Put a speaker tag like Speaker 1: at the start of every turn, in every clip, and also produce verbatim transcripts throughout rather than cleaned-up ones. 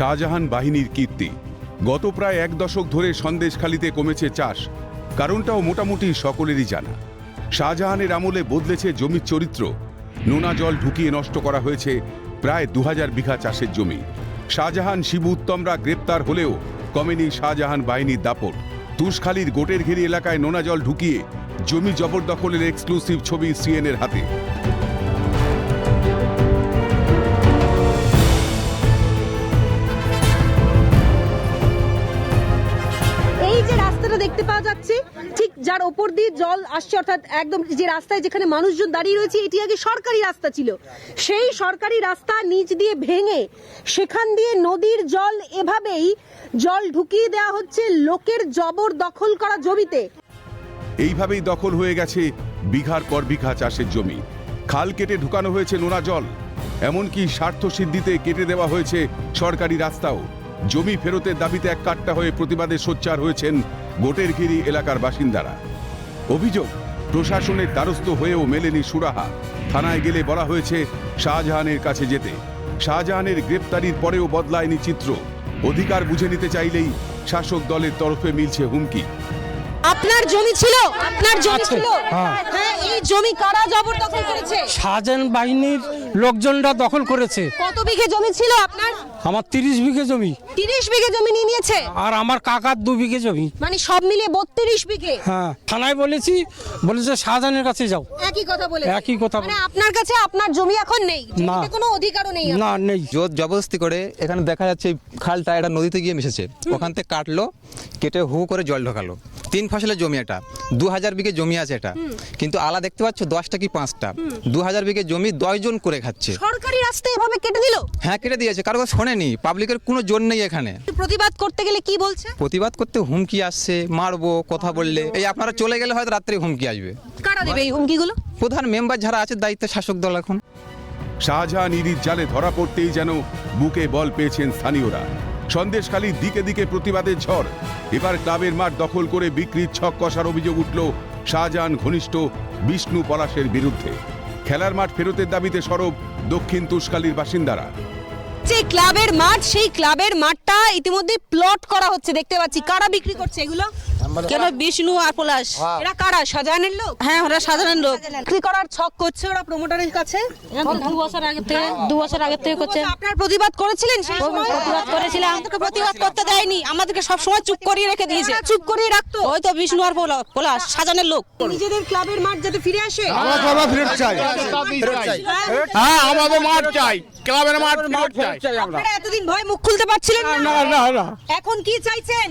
Speaker 1: শাহজাহান বাহিনীর কীর্তি। গত প্রায় এক দশক ধরে সন্দেশখালিতে কমেছে চাষ, কারণটাও মোটামুটি সকলেরই জানা। শাহজাহানের আমলে বদলেছে জমির চরিত্র। নোনা জল ঢুকিয়ে নষ্ট করা হয়েছে প্রায় দু হাজার বিঘা চাষের জমি। শাহজাহান শিবু উত্তমরা গ্রেপ্তার হলেও কমেনি শাহজাহান বাহিনীর দাপট। তুষখালীর গোটের ঘেরি এলাকায় নোনা জল ঢুকিয়ে জমি জবরদখলের এক্সক্লুসিভ ছবি সিএনএর হাতে।
Speaker 2: এই যে রাস্তাটা দেখতে পাওয়া যাচ্ছে, ঠিক যার ওপর দিয়ে জল আসছে, অর্থাৎ একদম যে রাস্তায় যেখানে মানুষজন দাঁড়িয়ে রয়েছে, এটি আগে সরকারি রাস্তা ছিল। সেই সরকারি রাস্তা নিচ দিয়ে ভেঙে সেখান দিয়ে নদীর জল এভাবেই জল ঢুকিয়ে দেওয়া হচ্ছে লোকের জবর দখল করা জমিতে।
Speaker 1: এইভাবেই দখল হয়ে গেছে বিঘার পর বিঘা চাষের জমি। খাল কেটে ঢুকানো হয়েছে নোনা জল, এমনকি স্বার্থ সিদ্ধিতে কেটে দেওয়া হয়েছে সরকারি রাস্তাও। জমি ফেরতের দাবিতে এক কাট্টা হয়ে প্রতিবাদে সোচ্চার হয়েছেন গোটেরঘিরি এলাকার বাসিন্দারা। অভিযোগ, প্রশাসনের দ্বারস্থ হয়েও মেলেনি সুরাহা। থানায় গেলে বলা হয়েছে শাহজাহানের কাছে যেতে। শাহজাহানের গ্রেপ্তারির পরেও বদলায়নি চিত্র। অধিকার বুঝে নিতে চাইলেই শাসক দলের তরফে মিলছে হুমকি।
Speaker 2: আপনার জমি ছিল, আপনার জমি ছিল, হ্যাঁ, এই জমি কারা জবরদখল করেছে?
Speaker 3: শাহজাহান বাহিনীর লোকজনরা দখল করেছে।
Speaker 2: কত বিঘে জমি ছিল আপনার?
Speaker 3: আমার তিরিশ বিঘে জমি।
Speaker 2: তিরিশ বিঘে জমি নিয়ে নিয়েছে?
Speaker 3: আর আমার কাকার দু বিঘে জমি।
Speaker 2: মানে সব মিলিয়ে বত্রিশ বিঘে।
Speaker 3: হ্যাঁ, থানায় বলেছি, বলেছে শাহজাহানের কাছে যাও।
Speaker 2: একই কথা বলে?
Speaker 3: একই কথা।
Speaker 2: মানে আপনার কাছে আপনার জমি এখন নেই,
Speaker 3: না,
Speaker 2: জমিতে কোনো অধিকারও নেই?
Speaker 3: না, নেই।
Speaker 4: জোর জবরদস্তি করে এখানে দেখা যাচ্ছে খালটা এটা নদীতে গিয়ে মিশেছে, ওখান থেকে কাটলো, কেটে হু করে জল ঢোকালো। তিন ফসলের জমি, এটা দু হাজার বিঘে জমি আছে এটা, কিন্তু আলা দেখতে পাচ্ছ দশটা কি পাঁচটা। দু হাজার বিঘে জমি দশজন করে খাচ্ছে।
Speaker 2: সরকারি রাস্তা এভাবে কেটে দিল?
Speaker 4: হ্যাঁ, কেটে দিয়েছে, কারো কথা শোনেনি। পাবলিকের কোনো জোর নেই এখানে।
Speaker 2: প্রতিবাদ করতে গেলে কি বলছে?
Speaker 4: প্রতিবাদ করতে হুমকি আসছে, মারবো কথা বললে। এই আপনারা চলে গেলে হয়তো রাত্রে হুমকি আসবে।
Speaker 2: কারা দেবে এই হুমকিগুলো?
Speaker 4: প্রধান মেম্বার যারা আছে দায়িত্বে শাসক দল এখন।
Speaker 1: শাহজাহান ইরির জালে ধরা পড়তেই যেন বুকে বল পেয়েছেন স্থানীয়রা। সন্দেশখালীর দিকে দিকে প্রতিবাদের ঝড়। এবার ক্লাবের মাঠ দখল করে বিক্রির ছক কষার অভিযোগ উঠল শাহজাহান ঘনিষ্ঠ বিষ্ণু পলাশের বিরুদ্ধে। খেলার মাঠ ফেরতের দাবিতে সরব দক্ষিণ তুষখালীর বাসিন্দারা।
Speaker 2: যে ক্লাবের মাঠ, সেই ক্লাবের মাঠটা ইতিমধ্যে প্লট করা হচ্ছে দেখতে পাচ্ছি। কারা বিক্রি করছে এগুলো?
Speaker 5: কেন? বিষ্ণু আর পলাশ।
Speaker 2: এরা কারা? শাহজাহানের লোক?
Speaker 5: হ্যাঁ, ওরা সাধারণ লোক।
Speaker 2: বিক্রি করার ছক করছে ওরা প্রমোটারের কাছে।
Speaker 5: দু বছর আগে থেকে দু বছর আগে থেকে করছে।
Speaker 2: আপনার প্রতিবাদ করেছিলেন সেই সময়?
Speaker 5: প্রতিবাদ করেছিলাম, আমাদেরকে প্রতিবাদ করতে দেয়নি, আমাদেরকে সব সময় চুপ করিয়ে রেখে দিয়েছে।
Speaker 2: চুপ করিয়ে রাখতো?
Speaker 5: ওই তো বিষ্ণু আর পলা- পলাশ সাজানের লোক।
Speaker 2: নিজেদের ক্লাবের মাঠ যাতে ফিরে আসে।
Speaker 6: হ্যাঁ, আমাদের মাঠ চাই, ক্লাবের মাঠ চাই।
Speaker 2: আপনারা এতদিন ভয় মুখ খুলতে পারছিলেন না, এখন কি চাইছেন?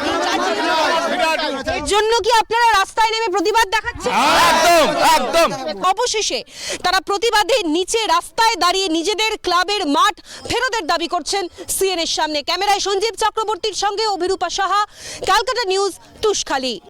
Speaker 2: এর জন্য কি আপনারা রাস্তায় নেমে প্রতিবাদ দেখাচ্ছেন?
Speaker 6: একদম একদম।
Speaker 2: অবশেষে তারা প্রতিবাদে নিচে রাস্তায় দাঁড়িয়ে নিজেদের ক্লাবের মাঠ ফেরতের দাবি করছেন সিএনএর সামনে। ক্যামেরায় সঞ্জীব চক্রবর্তীর সঙ্গে অভিরূপা সাহা, ক্যালকাটা নিউজ, তুষখালী।